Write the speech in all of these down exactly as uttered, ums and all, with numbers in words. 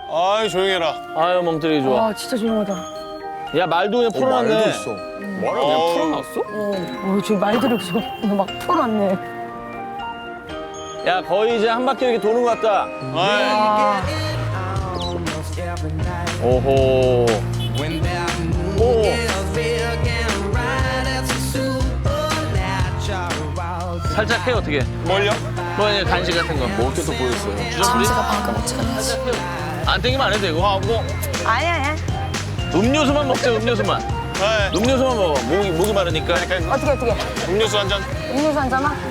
아이 조용해라. 아유 멍때리기 좋아. 아 진짜 조용하다. 야 말도 그냥 풀어놨네. 말도 있어. 말을 그냥 풀어놨어? 어, 어 지금 말들이 지금 막 풀어놨네. 야 거의 이제 한 바퀴 이렇게 도는 것 같다. 아, 오호. 오. 살짝 해 어떻게? 뭘요? 뭐 이제 간식 같은 거. 먹을 게 또 보였어요. 주전부리? 잠시가 방금 어찌하냐. 안 땡기면 안 해도 되고. 아, 뭐 아니야, 아니야. 음료수만 먹자 음료수만. 네. 음료수만 먹어. 목이 목이 마르니까. 어떻게 어떻게? 음료수 한 잔. 음료수 한 잔아?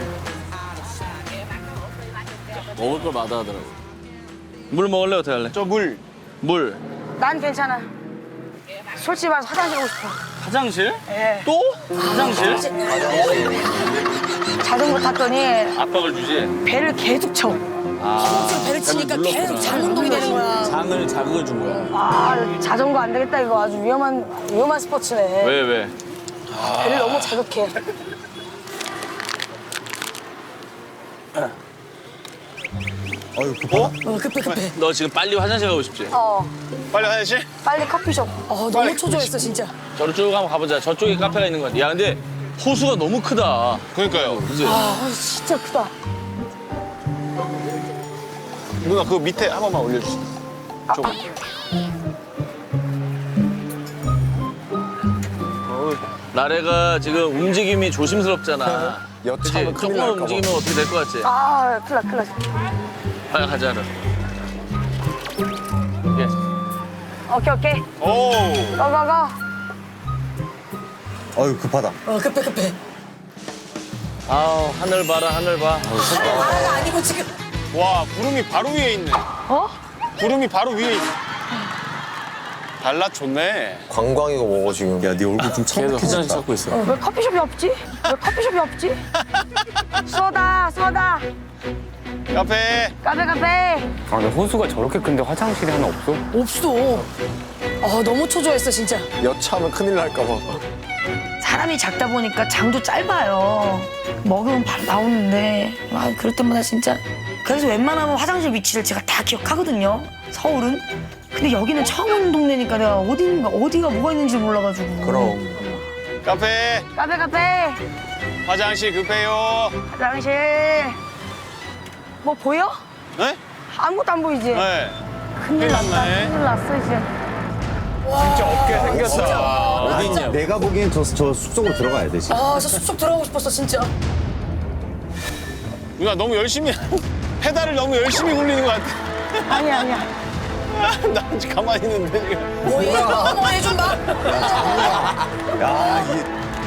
먹을 걸 마다하더라고. 물 먹을래 어떻게 할래? 저 물. 물. 난 괜찮아. 솔직히 말해서 화장실 가고 싶어. 화장실? 예. 또? 화장실? 자전거 탔더니 압박을 주지. 배를 계속 쳐. 아. 배를 치니까 계속 장 운동이 되는 거야. 장을 자극을 준 거야. 아, 자전거 안 되겠다 이거 아주 위험한 위험한 스포츠네. 왜 왜? 배를 너무 자극해. 아유 급하. 어, 급해 급해. 너 지금 빨리 화장실 가고 싶지? 어, 빨리 화장실. 빨리 커피숍. 어, 너무 초조했어 진짜. 저로 쭉 한번 가보자. 저쪽에 카페가 있는 것 같아. 야 근데 호수가 너무 크다. 그러니까요. 그지? 아, 어, 진짜 크다. 누나 그 밑에 한 번만 올려주세요. 좀. 나래가 지금 움직임이 조심스럽잖아. 그치? 여차하면 큰일 조금만 날까 봐. 움직이면 어떻게 될 것 같지? 아, 큰일 나 큰일 나. 빨리 가자. 그럼. 예. 오케이 오케이. 오. 가가가. 아유 급하다. 어, 급해 급해. 아우 하늘 봐라 하늘 봐. 하나가 아니고 지금. 와 구름이 바로 위에 있네. 어? 구름이 바로 위에 있네. 달라 좋네. 관광이고 뭐고 지금. 야네 얼굴 좀 청백해졌다. 찾고 있어. 어, 왜 커피숍이 없지? 왜 커피숍이 없지? 쏘다 쏘다. 카페. 카페 카페. 아, 근데 호수가 저렇게 큰데 화장실이 하나 없어? 없어. 어, 너무 초조했어 진짜. 여차하면 큰일 날까 봐. 사람이 작다 보니까 장도 짧아요. 먹으면 바로 나오는데 아, 그럴 때마다 진짜. 그래서 웬만하면 화장실 위치를 제가 다 기억하거든요. 서울은. 근데 여기는 처음 오는 동네니까 내가 어디인가 어디가 뭐가 있는지 몰라가지고. 그럼. 카페. 카페 카페. 화장실 급해요. 화장실. 뭐 보여? 네? 아무것도 안 보이지? 네. 큰일 났다. 났네. 큰일 났어 이제. 진짜 없게 생겼다. 어디 있냐? 내가 보기엔 저, 저 숲속으로 들어가야 돼 지금. 아, 저 숲속 들어가고 싶었어 진짜. 누나 너무 열심히 페달을 너무 열심히 굴리는 것 같아. 아니야 아니야. 나 아직 가만히 있는데 지금. 뭐 얘 좀 봐, 뭐 얘 좀 봐. 야 이게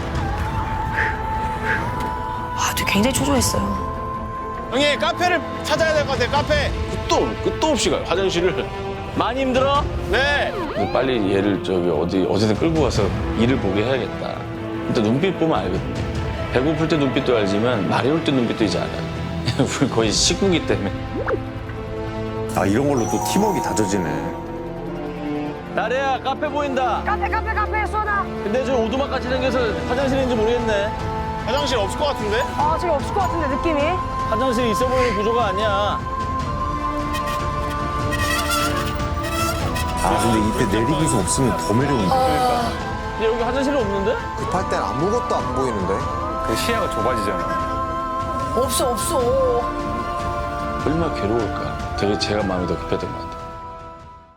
아, 되게 굉장히 초조했어요. 형님 카페를 찾아야 될 것 같아요. 카페. 끝도 끝도 없이 가요 화장실을. 많이 힘들어? 네. 빨리 얘를 저기 어디 어디든 끌고 가서 일을 보게 해야겠다. 일단 눈빛 보면 알거든. 배고플 때 눈빛도 알지만 말이 올 때 눈빛도 이제 알아. 우리 거의 식구기 때문에. 아 이런 걸로 또 팀워크가 다져지네. 나래야 카페 보인다. 카페 카페 카페 쏘다. 근데 저 오두막 같이 생겨서 화장실인지 모르겠네. 화장실 없을 것 같은데? 아, 지금 없을 것 같은데 느낌이. 화장실 있어 보이는 구조가 아니야. 아 근데 이때 내리기수 없으면 더 매력인데. 근데 여기 화장실이 없는데? 급할 땐 아무것도 안 보이는데. 그 시야가 좁아지잖아. 없어 없어. 얼마나 괴로울까. 되게 제가 마음이 더 급했던 것 같아.